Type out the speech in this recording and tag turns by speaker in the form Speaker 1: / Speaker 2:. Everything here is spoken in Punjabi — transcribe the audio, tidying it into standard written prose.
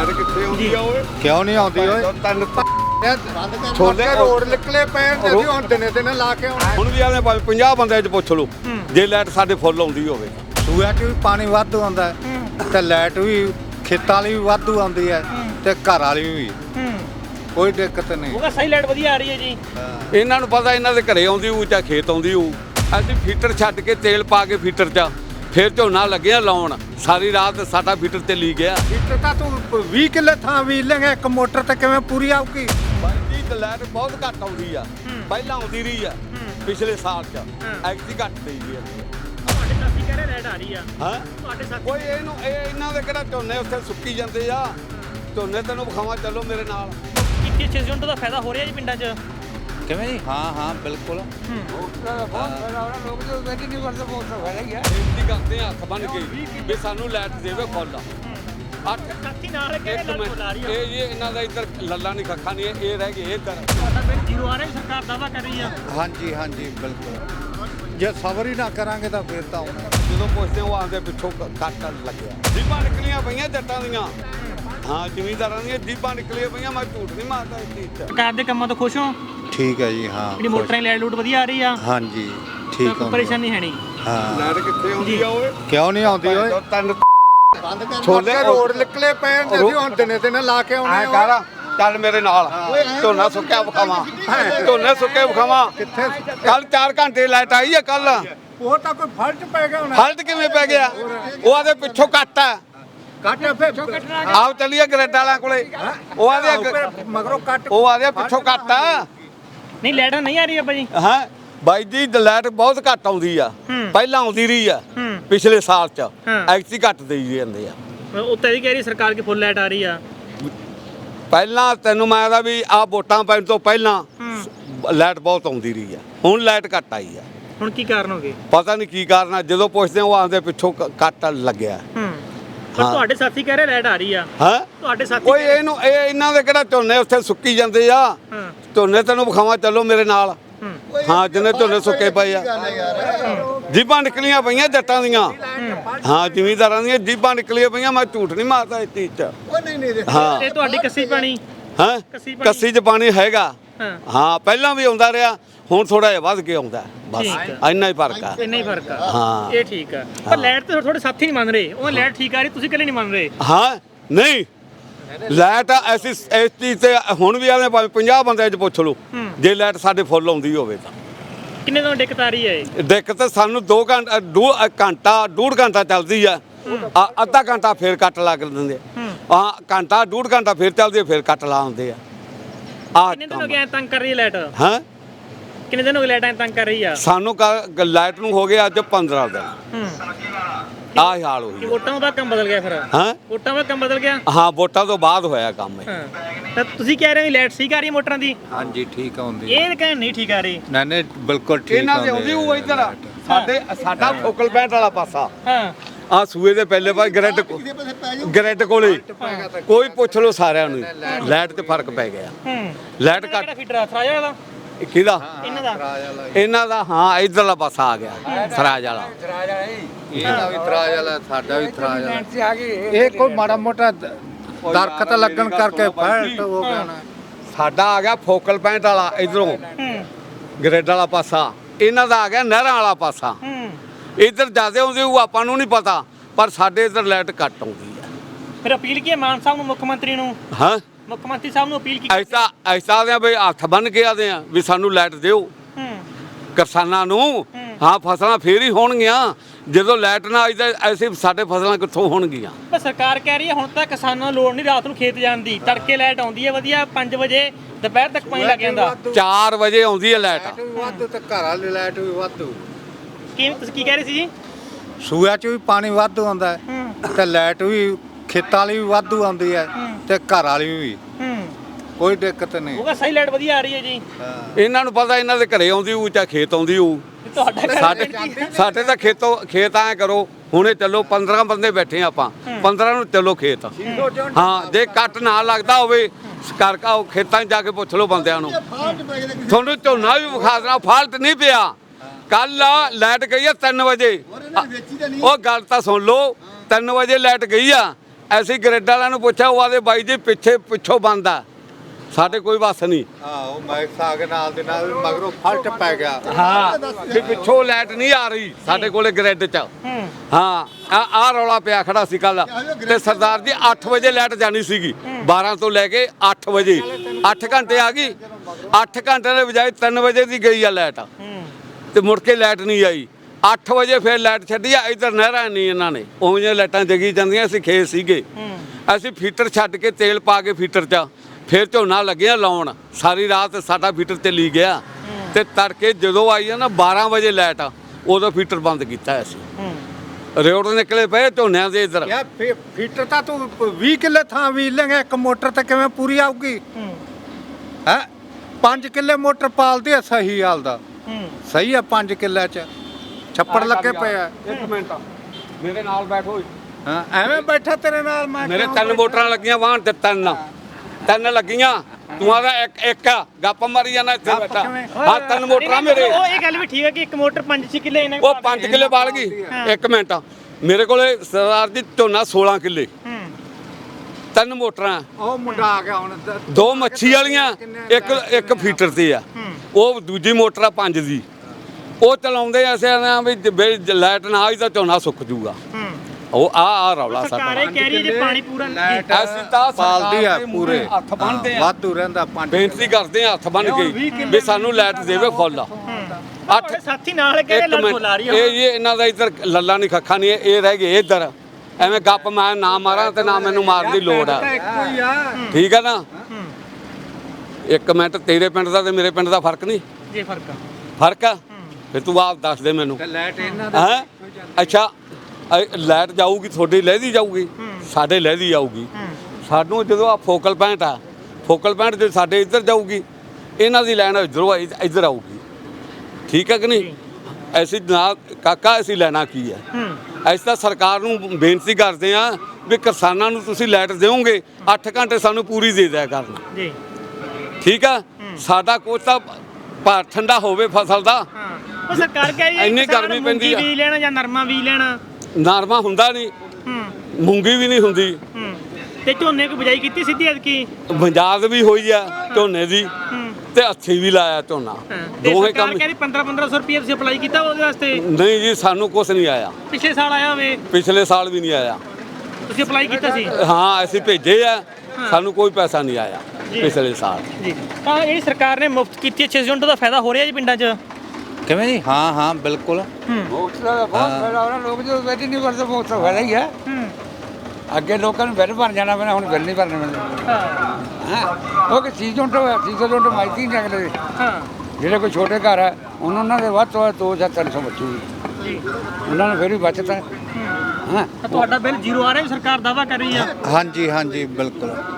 Speaker 1: ਲੈਟ ਕਿੱਥੇ ਆਉਂਦੀ ਆ ਓਏ?
Speaker 2: ਕਿਉਂ ਨਹੀਂ ਆਉਂਦੀ ਓਏ?
Speaker 1: ਤੈਨੂੰ
Speaker 2: ਛੋਲੇ ਰੋਡ ਨਿਕਲੇ ਪੈਣ ਤੇ ਅਸੀਂ ਹੁਣ ਦਿਨੇ ਦਿਨੇ ਲਾ ਕੇ ਆਉਣਾ।
Speaker 1: ਹੁਣ ਵੀ ਆਲੇ 50 ਬੰਦਿਆਂ 'ਚ ਪੁੱਛ ਲਓ ਜੇ ਲਾਈਟ ਸਾਡੇ ਫੁੱਲ ਆਉਂਦੀ ਹੋਵੇ।
Speaker 2: ਸੂਆ 'ਚ ਵੀ ਪਾਣੀ ਵਾਧੂ ਆਉਂਦਾ ਤੇ ਲਾਈਟ ਵੀ ਖੇਤਾਂ ਵਾਲੀ ਵੀ ਵਾਧੂ ਆਉਂਦੀ ਹੈ ਤੇ ਘਰ ਵਾਲੀ ਵੀ ਕੋਈ ਦਿੱਕਤ ਨਹੀਂ।
Speaker 3: ਉਹਦਾ ਸਹੀ ਲਾਈਟ ਵਧੀਆ ਆ ਰਹੀ ਹੈ ਜੀ।
Speaker 1: ਇਹਨਾਂ ਨੂੰ ਪਤਾ ਇਹਨਾਂ ਦੇ ਘਰੇ ਆਉਂਦੀ ਹੋਊ ਜਾਂ ਖੇਤ ਆਉਂਦੀ ਹੋਊ। ਅਸੀਂ ਫੀਟਰ ਛੱਡ ਕੇ ਤੇਲ ਪਾ ਕੇ ਫੀਟਰ 'ਚ ਫਿਰ ਝੋਨਾ ਲੱਗਿਆ ਲਾਉਣ, ਸਾਰੀ ਰਾਤ ਸਾਡਾ ਫੀਟਰ ਤੇ ਲੀ ਗਿਆ।
Speaker 2: ਫੀਟਰ ਤਾਂ ਤੂੰ 20 ਕਿੱਲੇ ਥਾਂ ਬੀਜ ਲੇਗਾ, ਇੱਕ ਮੋਟਰ ਤੇ ਕਿਵੇਂ ਪੂਰੀ ਆਊਗੀ?
Speaker 1: ਬਾਈ ਜੀ ਲਾਈਟ ਬਹੁਤ ਘੱਟ ਆਉਂਦੀ ਆ, ਪਹਿਲਾਂ ਆਉਂਦੀ ਰਹੀ ਆ ਪਿਛਲੇ ਸਾਲ 'ਚ, ਐਕਟੀ ਘੱਟ ਦੇਈ ਗਈ ਆ।
Speaker 3: ਤੁਹਾਡੇ ਸਾਥੀ ਕਹਿ ਰਹੇ ਲਾਈਟ ਆ ਰਹੀ ਆ।
Speaker 1: ਹਾਂ
Speaker 3: ਤੁਹਾਡੇ ਸਾਥੀ
Speaker 1: ਕੋਈ ਇਹ ਇਹਨਾਂ ਦੇ ਕਿਹੜਾ ਝੋਨੇ ਉੱਥੇ ਸੁੱਕੀ ਜਾਂਦੇ ਆ। ਝੋਨੇ ਤੈਨੂੰ ਵਿਖਾਵਾਂ, ਚੱਲੋ ਮੇਰੇ ਨਾਲ।
Speaker 3: 21 ਯੂਨਿਟ ਦਾ ਫਾਇਦਾ ਹੋ ਰਿਹਾ ਜੀ ਪਿੰਡਾਂ 'ਚ।
Speaker 2: ਕਿਵੇਂ ਜੀ? ਹਾਂ ਬਿਲਕੁਲ।
Speaker 1: ਬੇਨਤੀ ਕਰਦੇ ਆ ਹੱਥ ਬੰਨ ਕੇ ਵੀ ਸਾਨੂੰ ਲਾਈਟ ਦੇਵੇ ਫੁੱਲ।
Speaker 3: ਸਾਥੀ ਨਾਲ ਕਿਹੜੇ
Speaker 1: ਇੱਕ
Speaker 3: ਲਾਈਟ
Speaker 1: ਮਿੰਟ,
Speaker 3: ਲਾ ਰਹੀ ਆ?
Speaker 1: ਇਹ ਇਹਨਾਂ ਦਾ ਇੱਧਰ ਲੱਲਾ ਨਹੀਂ ਕੱਖਾ ਨਹੀਂ, ਇਹ ਰਹਿ ਗਏ ਇੱਧਰ।
Speaker 3: ਤੁਹਾਡਾ ਪਿੰਡ ਜ਼ੀਰੋ ਆ ਰਿਹਾ, ਸਰਕਾਰ ਦਾਅਵਾ ਕਰ ਰਹੀ ਆ।
Speaker 2: ਹਾਂਜੀ ਬਿਲਕੁਲ। ਜੇ ਸਬਰ ਹੀ ਨਾ ਕਰਾਂਗੇ ਤਾਂ ਫਿਰ ਤਾਂ ਆਉਣਾ।
Speaker 1: ਜਦੋਂ ਪੁੱਛਦੇ ਉਹ ਆਂਦੇ ਪਿੱਛੋਂ ਕੱਟ ਲੱਗਿਆ। ਜੀਬਾਂ ਨਿਕਲੀਆਂ ਪਈਆਂ ਜੱਟਾਂ ਦੀਆਂ, ਹਾਂ ਜ਼ਿਮੀਂਦਾਰਾਂ ਦੀਆਂ ਜੀਬਾਂ ਨਿਕਲੀਆਂ ਪਈਆਂ। ਮੈਂ ਝੂਠ ਨਹੀਂ ਮਾਰਦਾ ਇਸ ਚੀਜ਼ 'ਚ।
Speaker 3: ਸਰਕਾਰ ਦੇ ਕੰਮਾਂ ਤੋਂ ਖੁਸ਼ ਹੋ?
Speaker 2: ਠੀਕ ਹੈ ਜੀ। ਹਾਂ
Speaker 3: ਜਿਹੜੀ ਮੋਟਰਾਂ ਦੀ ਲਾਈਟ ਲੂਟ ਵਧੀਆ ਆ ਰਹੀ ਆ?
Speaker 2: ਹਾਂਜੀ ਠੀਕ
Speaker 3: ਕੋਈ
Speaker 2: ਹੈ।
Speaker 3: ਪਰੇਸ਼ਾਨੀ ਹੈ ਨਹੀਂ?
Speaker 2: ਹਾਂ
Speaker 1: ਲਾਈਟ ਕਿੱਥੇ ਆਉਂਦੀ ਆ ਓਏ?
Speaker 2: ਕਿਉਂ ਨਹੀਂ ਆਉਂਦੀ ਓਏ?
Speaker 1: ਤੈਨੂੰ
Speaker 2: ਛੋਲੇ ਰੋਡ ਨਿਕਲੇ ਪੈਣ ਤੇ ਅਸੀਂ ਹੁਣ ਦਿਨੇ ਦਿਨੇ ਲਾ ਕੇ ਆਉਣਾ।
Speaker 1: ਐ ਕਰ, ਚੱਲ ਮੇਰੇ ਨਾਲ, ਝੋਨਾ ਸੁੱਕਿਆ ਵਿਖਾਵਾਂ, ਝੋਨੇ ਸੁੱਕੇ ਵਿਖਾਵਾਂ।
Speaker 2: ਕਿੱਥੇ?
Speaker 1: ਕੱਲ 4 ਘੰਟੇ ਲਾਈਟ ਆਈ ਆ ਕੱਲ।
Speaker 2: ਉਹ ਤਾਂ ਕੋਈ ਫਲਟ ਪੈ ਗਿਆ ਹੁਣ।
Speaker 1: ਫਲਟ ਕਿਵੇਂ ਪੈ ਗਿਆ? ਉਹ ਆਦੇ ਪਿੱਛੋਂ ਕੱਟ ਆ।
Speaker 2: ਕੱਟ ਫੇ
Speaker 1: ਆਓ ਚੱਲੀਏ ਗ੍ਰਿਡ ਵਾਲਿਆਂ ਕੋਲੇ। ਉਹ ਆਦੇ
Speaker 2: ਮਗਰੋਂ ਕੱਟ।
Speaker 1: ਉਹ ਆਦੇ ਪਿੱਛੋਂ ਕੱਟ ਆ।
Speaker 3: ਨਹੀਂ ਲਾਈਟ ਨਹੀਂ ਆ ਰਹੀ ਬਾਬਾ ਜੀ।
Speaker 1: ਹਾਂ ਬਾਈ ਜੀ ਲਾਈਟ ਬਹੁਤ ਘੱਟ ਆਉਂਦੀ ਆ, ਪਹਿਲਾਂ ਆਉਂਦੀ ਰਹੀ ਆ ਪਿਛਲੇ ਸਾਲ 'ਚ, ਐਕਟੀ ਘੱਟ ਦੇਈ ਜਾਂਦੇ ਆ।
Speaker 3: ਉੱਤੇ ਵੀ ਕਹਿ ਰਹੀ ਸਰਕਾਰ ਕੀ ਫੁੱਲ ਲਾਈਟ ਆ ਰਹੀ ਆ।
Speaker 1: ਪਹਿਲਾਂ ਤੈਨੂੰ ਮੈਂ ਆਦਾ ਵੀ ਆ ਵੋਟਾਂ ਪੈਣ ਤੋਂ ਪਹਿਲਾਂ ਲਾਈਟ ਬਹੁਤ ਆਉਂਦੀ ਰਹੀ ਆ, ਹੁਣ ਲਾਈਟ ਘੱਟ ਆਈ ਆ।
Speaker 3: ਹੁਣ ਕੀ ਕਾਰਨ ਹੋ ਗਏ?
Speaker 1: ਪਤਾ ਨਹੀਂ ਕੀ ਕਾਰਨ ਆ। ਜਦੋਂ ਪੁੱਛਦੇ ਉਹ ਆਂਦੇ ਪਿੱਛੋਂ ਕੱਟ ਲੱਗਿਆ।
Speaker 3: ਪਰ ਤੁਹਾਡੇ ਸਾਥੀ ਕਹਿ ਰਹੇ ਲਾਈਟ ਆ ਰਹੀ ਆ।
Speaker 1: ਹਾਂ
Speaker 3: ਤੁਹਾਡੇ ਸਾਥੀ
Speaker 1: ਕੋਈ ਇਹਨਾਂ ਦੇ ਕਿਹੜਾ ਝੋਨੇ ਉੱਥੇ ਸੁੱਕੀ ਜਾਂਦੇ ਆ। ਝੋਨੇ ਤੈਨੂੰ ਵਿਖਾਵਾਂ, ਚੱਲੋ ਮੇਰੇ ਨਾਲ। ਹਾਂ ਜਿੰਨੇ ਝੋਨੇ ਸੁੱਕੇ ਪਏ ਆ, ਜੀਬਾਂ ਨਿਕਲੀਆਂ ਪਈਆਂ ਜੱਟਾਂ ਦੀਆਂ, ਹਾਂ ਜ਼ਿਮੀਂਦਾਰਾਂ ਦੀਆਂ ਜੀਬਾਂ ਨਿਕਲੀਆਂ ਪਈਆਂ। ਮੈਂ ਝੂਠ ਨਹੀਂ ਮਾਰਦਾ ਇਸ ਚੀਜ਼ 'ਚ। ਹਾਂ
Speaker 3: ਤੇ ਤੁਹਾਡੀ ਕੱਸੀ ਪਾਣੀ?
Speaker 1: ਹਾਂ ਕੱਸੀ 'ਚ ਪਾਣੀ ਹੈਗਾ। ਹਾਂ ਪਹਿਲਾਂ ਵੀ ਆਉਂਦਾ ਰਿਹਾ, ਹੁਣ ਥੋੜਾ ਜਿਹਾ ਵੱਧ ਕੇ ਆਉਂਦਾ, ਬਸ ਇੰਨਾ ਹੀ ਫਰਕ ਆ।
Speaker 3: ਇੰਨਾ ਹੀ ਫਰਕ ਆ।
Speaker 1: ਹਾਂ
Speaker 3: ਇਹ ਠੀਕ ਆ। ਪਰ ਲਾਈਟ ਤੇ ਤੁਹਾਡੇ ਸਾਥੀ ਨਹੀਂ ਮੰਨ ਰਹੇ। ਉਹ ਲਾਈਟ ਠੀਕ ਆ ਰਹੀ, ਤੁਸੀਂ ਇਕੱਲੇ ਨਹੀਂ ਮੰਨ ਰਹੇ।
Speaker 1: ਹਾਂ ਨਹੀਂ ਲਾਈਟ ਐਸੀ ਇਸ ਚੀਜ਼ ਤੇ ਹੁਣ ਵੀ ਆਲੇ 50 ਬੰਦਿਆਂ 'ਚ ਪੁੱਛ ਲਓ ਜੇ ਲਾਈਟ ਸਾਡੇ ਫੁੱਲ ਆਉਂਦੀ ਹੋਵੇ ਤਾਂ।
Speaker 3: ਕਿੰਨੇ ਦਿਨ ਦਿੱਕਤ ਆ ਰਹੀ ਹੈ ਇਹ?
Speaker 1: ਦਿੱਕਤ ਸਾਨੂੰ 2 ਘੰਟਾ ਡੂਢ ਘੰਟਾ ਚੱਲਦੀ ਆ, ਅੱਧਾ ਘੰਟਾ ਫੇਰ ਕੱਟ ਲੱਗ ਦਿੰਦੇ ਆ। ਘੰਟਾ ਡੂਢ ਘੰਟਾ ਫੇਰ ਚੱਲਦੀ ਆ, ਫੇਰ ਕੱਟ ਲਾ ਆਉਂਦੇ ਆ।
Speaker 3: ਕਿੰਨੇ ਦਿਨ ਹੋ ਗਏ ਤੰਗ ਕਰ ਰਹੀ ਹੈ ਲਾਈਟ?
Speaker 1: ਹਾਂ
Speaker 3: ਕਿੰਨੇ ਦਿਨ ਹੋ ਗਏ ਲਾਈਟ ਤੰਗ ਕਰ ਰਹੀ ਆ?
Speaker 1: ਸਾਨੂੰ ਲਾਈਟ ਨੂੰ ਹੋ ਗਏ ਅੱਜ 15 ਦਿਨ। ਆਹ ਹਾਲ ਹੋਈ।
Speaker 3: ਵੋਟਾਂ ਦਾ ਕੰਮ ਬਦਲ ਗਿਆ ਫਿਰ?
Speaker 1: ਹਾਂ
Speaker 3: ਵੋਟਾਂ ਦਾ ਕੰਮ ਬਦਲ ਗਿਆ।
Speaker 1: ਹਾਂ ਵੋਟਾਂ ਤੋਂ ਬਾਅਦ ਹੋਇਆ ਕੰਮ ਇਹ।
Speaker 3: ਤਾਂ ਤੁਸੀਂ ਕਹਿ ਰਹੇ ਹੋ ਲਾਈਟ ਠੀਕ ਆ ਰਹੀ ਮੋਟਰਾਂ ਦੀ?
Speaker 2: ਹਾਂਜੀ ਠੀਕ ਆਉਂਦੀ।
Speaker 3: ਇਹ ਕਹਿੰਦੇ ਨਹੀਂ ਠੀਕ ਆ ਰਹੀ।
Speaker 2: ਨਹੀਂ ਬਿਲਕੁਲ ਠੀਕ
Speaker 1: ਇਹਨਾਂ ਦੇ ਆਉਂਦੀ ਉਹ ਇੱਧਰ ਸਾਡਾ ਫੋਕਲ ਪੁਆਇੰਟ ਵਾਲਾ ਪਾਸਾ।
Speaker 3: ਹਾਂ
Speaker 1: ਆ ਸੂਏ ਦੇ ਪਹਿਲੇ ਪਾਸੇ ਗ੍ਰਿਡ ਕੋਲੇ ਕੋਈ ਪੁੱਛ ਲੋ ਸਾਰਿਆਂ ਨੂੰ, ਲਾਈਟ ਤੇ ਫਰਕ ਪੈ ਗਿਆ। ਲਾਈਟ
Speaker 3: ਕਿਹੜਾ
Speaker 1: ਘੱਟ।
Speaker 3: ਫੀਡਰ ਆ ਸਰਾਜ ਵਾਲਾ?
Speaker 1: ਕਿਹਦਾ?
Speaker 3: ਇਹਨਾਂ ਦਾ।
Speaker 1: ਇਹਨਾਂ ਦਾ ਹਾਂ ਇਧਰਲਾ ਪਾਸਾ ਆ ਗਿਆ, ਸਰਾਜ ਵਾਲਾ।
Speaker 2: ਇਹਦਾ ਵੀ ਤਰਾਜ ਵਾਲਾ, ਸਾਡਾ ਵੀ ਤਰਾਜ ਵਾਲਾ। ਇਹ ਕੋਈ ਮਾੜਾ ਮੋਟਾ ਦਰਖਤ ਲੱਗਣ ਕਰਕੇ ਫਲਟ ਹੋ ਗਿਆ ਨਾ।
Speaker 1: ਸਾਡਾ ਆ ਗਿਆ ਫੋਕਲ ਪੁਆਇੰਟ ਵਾਲਾ ਇਧਰੋਂ ਗ੍ਰਿਡ ਵਾਲਾ ਪਾਸਾ, ਇਹਨਾਂ ਦਾ ਆ ਗਿਆ ਨਹਿਰਾਂ ਵਾਲਾ ਪਾਸਾ। ਇੱਧਰ ਜਿਆਦਾ ਆਉਂਦੇ ਉਹ ਆਪਾਂ ਨੂੰ ਨਹੀਂ ਪਤਾ, ਪਰ ਸਾਡੇ ਇੱਧਰ ਲਾਈਟ ਘੱਟ ਆਉਂਦੀ ਆ।
Speaker 3: ਫਿਰ ਅਪੀਲ ਕੀ ਹੈ ਮਾਨ ਸਾਹਿਬ ਨੂੰ, ਮੁੱਖ ਮੰਤਰੀ ਨੂੰ?
Speaker 1: ਹਾਂ
Speaker 3: ਮੁੱਖ ਮੰਤਰੀ ਸਾਹਿਬ ਨੂੰ ਅਪੀਲ ਕੀ?
Speaker 1: ਐਸਾ ਆ ਵੀ ਹੱਥ ਬੰਨ ਕੇ ਆਦੇ ਆ ਵੀ ਸਾਨੂੰ ਲਾਈਟ ਦਿਓ ਕਿਸਾਨਾਂ ਨੂੰ। ਹਾਂ ਫਸਲਾਂ ਫੇਰ ਹੀ ਹੋਣਗੀਆਂ, ਜਦੋਂ ਲਾਈਟ ਨਾ ਆਈ ਤਾਂ ਐਸੀ ਸਾਡੇ ਫਸਲਾਂ ਕਿੱਥੋਂ ਹੋਣਗੀਆਂ?
Speaker 3: ਪਰ ਸਰਕਾਰ ਕਹਿ ਰਹੀ ਹੈ ਹੁਣ ਤਾਂ ਕਿਸਾਨਾਂ ਨੂੰ ਲੋੜ ਨਹੀਂ ਰਾਤ ਨੂੰ ਖੇਤ ਜਾਣ ਦੀ, ਤੜਕੇ ਲਾਈਟ ਆਉਂਦੀ ਹੈ ਵਧੀਆ, 5 ਵਜੇ ਦੁਪਹਿਰ ਤੱਕ ਪਾਣੀ ਲੱਗ ਜਾਂਦਾ।
Speaker 1: 4 ਵਜੇ ਆਉਂਦੀ ਹੈ ਲਾਈਟ।
Speaker 2: ਵਾਧੂ ਤੇ ਘਰ ਵਾਲੀ ਲਾਈਟ ਵੀ ਵਾਧੂ।
Speaker 3: ਤੁਸੀਂ ਕੀ ਕਹਿ ਰਹੇ ਸੀ ਜੀ?
Speaker 2: ਸੂਆ 'ਚ ਵੀ ਪਾਣੀ ਵਾਧੂ ਆਉਂਦਾ ਤੇ ਲਾਈਟ ਵੀ ਖੇਤਾਂ ਵਾਲੀ ਵੀ ਵਾਧੂ ਆਉਂਦੀ ਹੈ ਤੇ ਘਰ ਵਾਲੀ ਵੀ ਕੋਈ ਦਿੱਕਤ ਨਹੀਂ।
Speaker 3: ਉਹਦਾ ਸਹੀ ਲਾਈਟ ਵਧੀਆ ਆ ਰਹੀ ਹੈ ਜੀ।
Speaker 1: ਇਹਨਾਂ ਨੂੰ ਪਤਾ ਇਹਨਾਂ ਦੇ ਘਰੇ ਆਉਂਦੀ ਹੋਊ ਜਾਂ ਖੇਤ ਆਉਂਦੀ ਹੋਊ। ਸਾਡੇ ਤਾਂ ਖੇਤ ਐ ਕਰੋ, ਹੁਣੇ ਚੱਲੋ 15 ਬੰਦੇ ਬੈਠੇ ਆਪਾਂ, 15 ਨੂੰ ਚੱਲੋ ਖੇਤ। ਹਾਂ ਜੇ ਕੱਟ ਨਾ ਲੱਗਦਾ ਹੋਵੇ ਕਰਕੇ ਉਹ ਖੇਤਾਂ 'ਚ ਜਾ ਕੇ ਪੁੱਛ ਲਓ ਬੰਦਿਆਂ ਨੂੰ, ਤੁਹਾਨੂੰ ਝੋਨਾ ਵੀ ਵਿਖਾ ਦੇਣਾ। ਫਾਲਟ ਨਹੀਂ ਪਿਆ। ਕੱਲ ਲਾਈਟ ਗਈ ਆ 3 ਵਜੇ। ਉਹ ਗੱਲ ਤਾਂ ਸੁਣ ਲਓ, 3 ਵਜੇ ਲਾਈਟ ਗਈ ਆ, ਅਸੀਂ ਗ੍ਰਿਡ ਵਾਲਿਆਂ ਨੂੰ ਪੁੱਛਿਆ, ਉਹ ਆਦੇ ਬਾਈ ਜੀ ਪਿੱਛੋਂ ਬੰਦ ਆ, ਸਾਡੇ ਕੋਈ ਵੱਸ ਨਹੀਂ।
Speaker 2: ਉਹ ਮੈਕਸ ਆ ਕੇ ਨਾਲ ਦੇ ਨਾਲ ਮਗਰੋਂ ਫਲਟ ਪੈ ਗਿਆ।
Speaker 1: ਹਾਂ ਵੀ ਪਿੱਛੋਂ ਲਾਈਟ ਨਹੀਂ ਆ ਰਹੀ ਸਾਡੇ ਕੋਲੇ ਗ੍ਰਿਡ 'ਚ। ਹਾਂ ਆ ਰੌਲਾ ਪਿਆ ਖੜਾ ਸੀ ਕੱਲ। ਤੇ ਸਰਦਾਰ ਜੀ 8 ਵਜੇ ਲਾਈਟ ਜਾਣੀ ਸੀਗੀ, 12 ਤੋਂ ਲੈ ਕੇ 8 ਵਜੇ 8 ਘੰਟੇ ਆ ਗਈ। 8 ਘੰਟੇ ਦੇ ਬਜਾਏ 3 ਵਜੇ ਦੀ ਗਈ ਆ ਲਾਈਟ, ਤੇ ਮੁੜ ਕੇ ਲਾਈਟ ਨਹੀਂ ਆਈ। 8 ਵਜੇ ਫਿਰ ਲਾਈਟ ਛੱਡੀ ਆ। ਇੱਧਰ ਨਹਿਰਾਂ ਨਹੀਂ ਇਹਨਾਂ ਨੇ, ਉਵੇਂ ਜਿਹੀਆਂ ਲਾਈਟਾਂ ਜਗੀ ਜਾਂਦੀਆਂ। ਅਸੀਂ ਖੇਤ ਸੀਗੇ, ਅਸੀਂ ਫੀਟਰ ਛੱਡ ਕੇ ਤੇਲ ਪਾ ਕੇ ਫੀਟਰ 'ਚ ਫਿਰ ਝੋਨਾ ਲੱਗਿਆ ਲਾਉਣ। ਸਾਰੀ ਰਾਤ ਸਾਡਾ ਫੀਟਰ ਚੱਲੀ ਗਿਆ, ਤੇ ਤੜਕੇ ਜਦੋਂ ਆਈ ਆ ਨਾ 12 ਵਜੇ ਲਾਈਟ, ਉਦੋਂ ਫੀਟਰ ਬੰਦ ਕੀਤਾ ਅਸੀਂ। ਰੇਉੜ ਨਿਕਲੇ ਪਏ ਝੋਨਿਆਂ ਦੇ ਇੱਧਰ।
Speaker 2: ਯਾਰ ਫੀਟਰ ਤਾਂ ਤੂੰ 20 ਕਿੱਲੇ ਥਾਂ ਬੀਜ ਲੇਂਗਾ, ਇੱਕ ਮੋਟਰ ਤੇ ਕਿਵੇਂ ਪੂਰੀ ਆਊਗੀ? ਹੈ 5 ਕਿੱਲੇ ਮੋਟਰ ਪਾਲਦੀ ਆ ਸਹੀ ਹਾਲ ਦਾ। ਸਹੀ ਆ 5 ਕਿੱਲੇ 'ਚ ਛੱਪੜ ਲੱਗੇ ਪਏ ਆ।
Speaker 1: ਇੱਕ ਮਿੰਟ ਮੇਰੇ ਨਾਲ ਬੈਠੋ।
Speaker 2: ਹਾਂ ਐਵੇਂ ਬੈਠਾ ਤੇਰੇ ਨਾਲ ਮੈਂ।
Speaker 1: ਮੇਰੇ 3 ਮੋਟਰਾਂ ਲੱਗੀਆਂ ਵਾਹਣ ਤੇ 3 ਲੱਗੀਆਂ। ਤੂੰ ਆਦਾ ਇੱਕ ਗੱਪ ਮਾਰੀ ਜਾਣਾ ਇੱਥੇ ਬੈਠਾ। ਹਾਂ 3 ਮੋਟਰਾਂ ਮੇਰੇ।
Speaker 3: ਉਹ ਇਹ ਗੱਲ ਵੀ ਠੀਕ ਹੈ ਕਿ ਇੱਕ ਮੋਟਰ 5-6 ਕਿੱਲੇ ਇਹਨੇ
Speaker 1: ਉਹ 5 ਕਿੱਲੇ ਬਾਲ ਗਈ। ਇੱਕ ਮਿੰਟ ਮੇਰੇ ਕੋਲੇ ਸਰਦਾਰ ਜੀ ਝੋਨਾ 16 ਕਿੱਲੇ, 3 ਮੋਟਰਾਂ।
Speaker 2: ਉਹ ਮੁੰਡਾ ਆ ਗਿਆ ਹੁਣ।
Speaker 1: 2 ਮੱਛੀ ਵਾਲੀਆਂ, ਇੱਕ ਫੀਟਰ ਤੇ ਆ। ਉਹ ਦੂਜੀ ਮੋਟਰ ਆ 5 ਦੀ, ਉਹ ਚਲਾਉਂਦੇ ਐਸੇ ਨਾ ਵੀ ਲਾਈਟ ਨਾ ਆਈ ਤਾਂ ਝੋਨਾ ਸੁੱਕ ਜੂਗਾ। ਉਹ ਆ ਰੌਲਾ
Speaker 3: ਸਰਕਾਰ ਇਹ ਕਹਿ ਰਹੀ ਹੈ ਜੇ ਪਾਣੀ ਪੂਰਾ
Speaker 1: ਅਸੀਂ ਤਾਂ
Speaker 2: ਪਾਲਦੀ ਆ ਪੂਰੇ
Speaker 1: ਹੱਥ ਬੰਨ੍ਹਦੇ ਆ।
Speaker 2: ਵਾਧੂ ਰਹਿੰਦਾ 5
Speaker 1: ਬੇਨਤੀ ਕਰਦੇ ਆ ਹੱਥ ਬੰਨ ਕੇ ਵੀ ਸਾਨੂੰ ਲਾਈਟ ਦੇਵੇ ਫੁੱਲ।
Speaker 3: ਤੁਹਾਡੇ ਸਾਥੀ ਨਾਲ ਕਿਹੜੇ ਲੜ ਬੁਲਾ ਰਹੀ
Speaker 1: ਇਹ ਇਹਨਾਂ ਦਾ ਇੱਧਰ ਲੱਲਾ ਨਹੀਂ ਖੱਖਾ ਨਹੀਂ, ਇਹ ਰਹਿ ਗਏ ਇੱਧਰ। ਐਵੇਂ ਗੱਪ ਮੈਂ ਨਾ ਮਾਰਾਂ ਤੇ ਨਾ ਮੈਨੂੰ ਮਾਰਨ ਦੀ ਲੋੜ ਆ।
Speaker 2: ਇੱਕੋ ਹੀ ਆ।
Speaker 1: ਠੀਕ ਆ ਨਾ। ਇੱਕ ਮਿੰਟ, ਤੇਰੇ ਪਿੰਡ ਦਾ ਤੇ ਮੇਰੇ ਪਿੰਡ ਦਾ ਫਰਕ ਨਹੀਂ?
Speaker 3: ਜੀ ਫਰਕ
Speaker 1: ਆ। ਫਿਰ ਤੂੰ ਆਪ ਦੱਸ ਦੇ ਮੈਨੂੰ।
Speaker 2: ਲਾਈਟ ਇਹਨਾਂ ਦਾ
Speaker 1: ਹੈ ਅੱਛਾ ਲਾਈਟ ਜਾਊਗੀ ਤੁਹਾਡੀ ਲਹਿਦੀ ਜਾਊਗੀ, ਸਾਡੇ ਲਹਿਦੀ ਆਊਗੀ। ਸਾਨੂੰ ਜਦੋਂ ਆ ਫੋਕਲ ਪੁਆਇੰਟ ਜੇ ਸਾਡੇ ਇੱਧਰ ਜਾਊਗੀ, ਇਹਨਾਂ ਦੀ ਲਾਈਨ ਇੱਧਰ ਆਊਗੀ। ਠੀਕ ਹੈ ਕਿ ਨਹੀਂ? ਅਸੀਂ ਨਾ ਕਾਕਾ ਅਸੀਂ ਲੈਣਾ ਕੀ ਹੈ? ਅਸੀਂ ਤਾਂ ਸਰਕਾਰ ਨੂੰ ਬੇਨਤੀ ਕਰਦੇ ਆ ਵੀ ਕਿਸਾਨਾਂ ਨੂੰ ਤੁਸੀਂ ਲਾਈਟ ਦਿਓਗੇ 8 ਘੰਟੇ ਸਾਨੂੰ ਪੂਰੀ ਦੇ ਦਿਆ ਕਰਨਾ
Speaker 3: ਜੀ।
Speaker 1: ਠੀਕ ਆ। ਸਾਡਾ ਕੁਛ ਤਾਂ ਭਾਰ ਠੰਡਾ ਹੋਵੇ ਫਸਲ ਦਾ।
Speaker 3: ਉਹ ਸਰਕਾਰ ਕਹਿ ਰਹੀ ਹੈ
Speaker 1: ਇੰਨੀ ਗਰਮੀ ਪੈਂਦੀ ਆ।
Speaker 3: ਵੀ ਲੈਣਾ ਜਾਂ ਨਰਮਾ ਵੀ ਲੈਣਾ।
Speaker 1: ਨਰਮਾ ਹੁੰਦਾ ਨਹੀਂ, ਮੂੰਗੀ ਵੀ ਨਹੀਂ ਹੁੰਦੀ।
Speaker 3: ਤੇ ਝੋਨੇ ਕੋ ਬਿਜਾਈ ਕੀਤੀ ਸਿੱਧੀ ਐਤਕੀ?
Speaker 1: ਪੰਜਾਬ ਵੀ ਹੋਈ ਆ ਝੋਨੇ ਦੀ, ਤੇ ਹੱਥੀ ਵੀ ਲਾਇਆ ਝੋਨਾ। ਦੋਹੇ ਕੰਮ।
Speaker 3: ਸਰਕਾਰ ਕਹਿੰਦੀ 1500 ਰੁਪਏ ਤੁਸੀਂ ਅਪਲਾਈ ਕੀਤਾ ਉਹਦੇ ਵਾਸਤੇ?
Speaker 1: ਨਹੀਂ ਜੀ ਸਾਨੂੰ ਕੁਝ ਨਹੀਂ ਆਇਆ।
Speaker 3: ਪਿਛਲੇ ਸਾਲ ਆਇਆ ਹੋਵੇ?
Speaker 1: ਪਿਛਲੇ ਸਾਲ ਵੀ ਨਹੀਂ ਆਇਆ।
Speaker 3: ਤੁਸੀਂ ਅਪਲਾਈ ਕੀਤਾ ਸੀ?
Speaker 1: ਹਾਂ ਅਸੀਂ ਭੇਜੇ ਆ, ਸਾਨੂੰ ਕੋਈ ਪੈਸਾ ਨਹੀਂ ਆਇਆ ਪਿਛਲੇ ਸਾਲ।
Speaker 3: ਜੀ ਤਾਂ ਜਿਹੜੀ ਸਰਕਾਰ ਨੇ ਮੁਫਤ ਕੀਤੀ 6 ਯੂਨਿਟ ਦਾ ਫਾਇਦਾ ਹੋ ਰਿਹਾ ਜੀ ਪਿੰਡਾਂ 'ਚ?
Speaker 2: ਕਿਵੇਂ ਜੀ? ਹਾਂ ਹਾਂ ਬਿਲਕੁਲ।
Speaker 4: ਬਹੁਤ ਫਾਇਦਾ ਹੋ ਰਿਹਾ। ਲੋਕ ਜਦੋਂ ਵੈਟ ਨਹੀਂ ਕਰਦੇ ਬਹੁਤ ਫਾਇਦਾ ਹੀ ਹੈ। ਅੱਗੇ ਲੋਕਾਂ ਨੂੰ ਬਿੱਲ ਭਰ ਜਾਣਾ ਪੈਣਾ, ਹੁਣ ਬਿੱਲ ਨਹੀਂ ਭਰਨੇ ਪੈਂਦੇ। ਹਾਂ ਉਹ ਕਿ ਸੀਜ਼ਨ ਤੋਂ ਮਾਇਤੀ ਨਹੀਂ ਅਗਲੇ। ਜਿਹੜੇ ਕੋਈ ਛੋਟੇ ਘਰ ਹੈ ਉਹਨਾਂ ਦੇ ਵੱਧ ਤੋਂ ਵੱਧ 2 ਜਾਂ 300 ਬਚੂਗੀ ਜੀ, ਉਹਨਾਂ ਨੂੰ ਫਿਰ ਵੀ ਬਚਤ ਹੈ। ਹਾਂ
Speaker 3: ਤੁਹਾਡਾ ਬਿੱਲ ਜ਼ੀਰੋ ਆ ਰਿਹਾ, ਸਰਕਾਰ ਦਾਅਵਾ ਕਰ ਰਹੀ ਆ।
Speaker 2: ਹਾਂਜੀ ਹਾਂਜੀ ਬਿਲਕੁਲ।